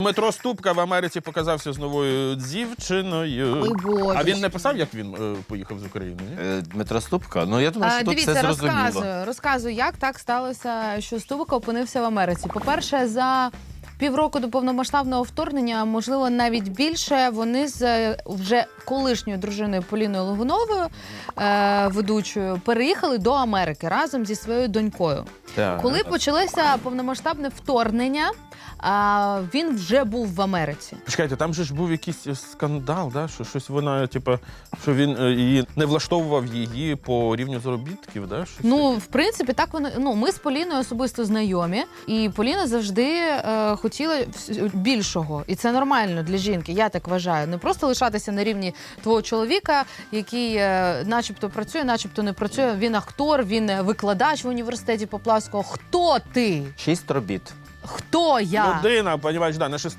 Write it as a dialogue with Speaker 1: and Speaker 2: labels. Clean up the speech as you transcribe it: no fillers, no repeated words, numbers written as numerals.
Speaker 1: Дмитро Ступка в Америці показався з новою дівчиною.
Speaker 2: Ой, Боже.
Speaker 1: А він не писав, як він поїхав з України? Ні?
Speaker 3: Дмитро Ступка? Ну, я думаю, що тут все
Speaker 2: Дивіться,
Speaker 3: зрозуміло.
Speaker 2: розказую, як так сталося, що Ступка опинився в Америці. По-перше, за півроку до повномасштабного вторгнення, можливо, навіть більше, вони з вже колишньою дружиною Поліною Логуновою, ведучою, переїхали до Америки разом зі своєю донькою.
Speaker 1: Так.
Speaker 2: Коли почалося повномасштабне вторгнення, він вже був в Америці.
Speaker 1: Чекайте, там же ж був якийсь скандал, да? Що щось вона, типу, що він її не влаштовував її по рівню заробітків, да? Щось
Speaker 2: Ну, в принципі, так воно. Ну, ми з Поліною особисто знайомі, і Поліна завжди хотіла більшого. І це нормально для жінки, я так вважаю. Не просто лишатися на рівні твого чоловіка, який начебто працює, начебто не працює. Він актор, він викладач в університеті Поплавського. Хто ти?
Speaker 3: 6 робіт.
Speaker 2: Хто я?
Speaker 1: Людина, понімаєш, да, на